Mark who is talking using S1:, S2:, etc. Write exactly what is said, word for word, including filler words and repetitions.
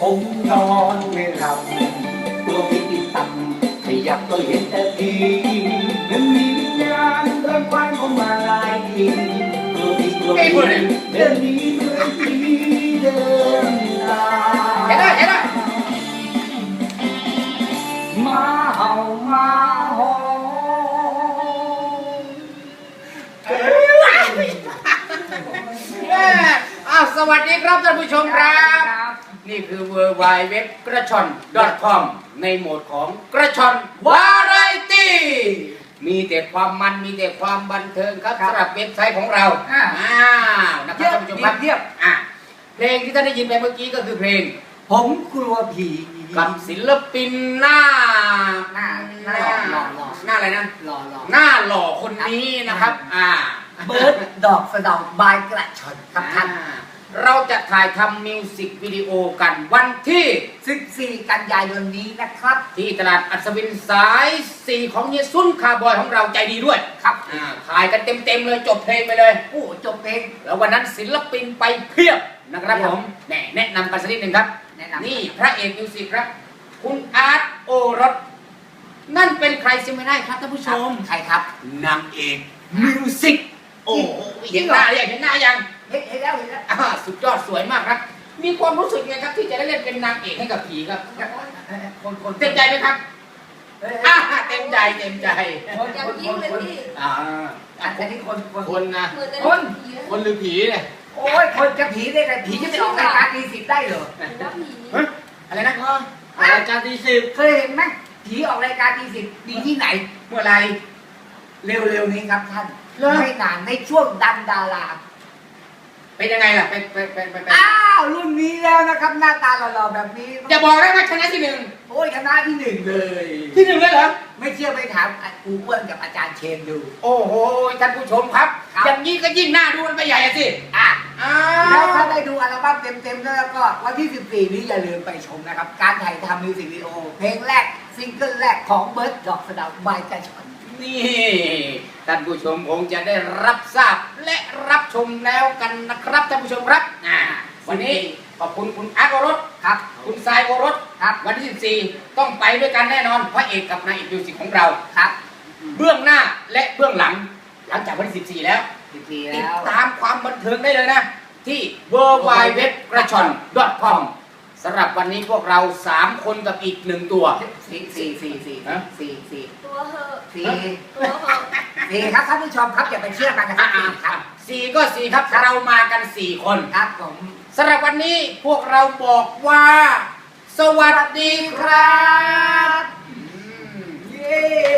S1: ผมนอนไม่หลับตัวพี่ติดต่ำขยับก็เห็นแต่ทีมันมีวิญญาณเดินควันเข้ามาหลายทีตัวพี่ตัวพี่เดินหนีเหมือนผีเดินตาม
S2: เห็นได้เห็นได้
S1: มาเห่ามาหอน
S2: อ้าวสวัสดีครับท่านผู้ชมครับนี่คือ เวอร์ ไวด์ เว็บ กระชอน ดอท คอม ในโหมดของกระชอนวาไรตี้มีแต่ความมันมีแต่ความบันเทิงครับสำหรับเว็บไซต์ของเราอ้าวนะครับท่านผู้ชมครับเทียบอ่ะเพลงที่ท่านได้ยินไปเมื่อกี้ก็คือเพลง
S1: ผมกลัวผี
S2: กับศิลปินหน้า
S1: หน้าหน้าหล่อหล่อ
S2: หน้าอะไรนะ
S1: หล่อหล่อ
S2: หน้าหล่อคนนี้นะครับอ่า
S1: เบิร์ดดอกสะเดาบายกระชอนครับท่าน
S2: เราจะถ่ายทำมิวสิกวิดีโอกันวันที่
S1: สิบสี่กันยายนนี้นะครับ
S2: ที่ตลาดอัศวินสายสี่ของเฮียซุนคาร์บอยของเราใจดีด้วย
S1: ครับ
S2: ถ่ายกันเต็มๆเลยจบเพลงไปเลย
S1: โอ้จบเพลง
S2: แล้ววันนั้นศิลปินไปเพียบนะครับผมแน่แนะนำกันสักนิดหนึ่งครับนี่พระเอกมิวสิกครับคุณอาร์ตโอรสนั่นเป็นใครซิไม่ได้ครับท่านผู้ชม
S1: ใครครับ
S2: นางเอกมิวสิกโอ้เห็นหน้าอย่างเห็นหน้ายัง
S1: เห็นแล้วเห็นแล้ว
S2: สุดยอดสวยมากครับมีความรู้สึกไงครับที่จะได้เล่นเป็นนางเอกให้กับผีครับ
S1: คนคน
S2: เต็มใจไหมครับเต็มใจเต็มใจ
S1: คนคนคนอ่าอันนี้คน
S2: คนนะ
S1: คน
S2: คนหรือผีเนี่ย
S1: โอ้ยคนจะผีได้ไงผีจะไปออกรายการตีสิบได้เหรอ
S2: อะไรนะ
S1: รายการตีสิบเคยเห็นไหมผีออกรายการตีสิบดีที่ไหน
S2: เมื่อไร
S1: เร็วๆนี้ครับท่านไม่นานในช่วงดันดารา
S2: เป็นยังไงล่ะไปไปไปไป
S1: อ้าวรุ่นนี้แล้วนะครับหน้าตาหล่อๆแบบนี้
S2: อย่าบอกนะว่าชนะที่หนึ่ง
S1: โอ้ยชนะที่หนึ่งเลย
S2: ที่หนึ่งเลยเหรอ
S1: ไม่เชื่อไปถามครูอ้วนกับอาจารย์เชนดู
S2: โอ้โหท่านผู้ชมครับอย่างนี้ก็ยิ่งหน้าดูมันไปใหญ่สิ
S1: อ่ะแล้วถ้าได้ดูอัลบั้มเต็มๆแล้วก็วันที่สิบสี่นี้อย่าลืมไปชมนะครับการถ่ายทำมิวสิกวิดีโอเพลงแรกซิงเกิลแรกของเบิร์ดดอกสะเดาบายกระชอน
S2: นี่ท่านผู้ชมคงจะได้รับทราบและรับชมแล้วกันนะครับท่านผู้ชมครับวันนี้ขอบคุณคุณอาร์ตโอรส
S1: ครับ
S2: คุณทรายโอรส
S1: ครับ
S2: วันที่สิบสี่ต้องไปด้วยกันแน่นอนพระเอกกับนายเอกมิวสิกของเรา
S1: ครับ
S2: เบื้องหน้าและเบื้องหลังหลังจากวันที่สิบสี่แล้ว
S1: ติด
S2: ตามความบันเทิงได้เลยนะที่ เวอร์ ไวด์ เว็บ กระชอน ดอท คอม สำหรับวันนี้พวกเราสามคนกับอีกหนึ่งตัว
S1: สี่สี่สี่สี่สี่สี่
S3: ตัวเหอะ
S1: สี่ตัวเหอะสี่ครับท่านผู้ชมครับอย่าไปเชื่อมันนะครับครับ
S2: สี่ก็สี่ครับเรามากันสี่คน
S1: ครับผม
S2: สำหรับวันนี้พวกเราบอกว่าสวัสดีครับ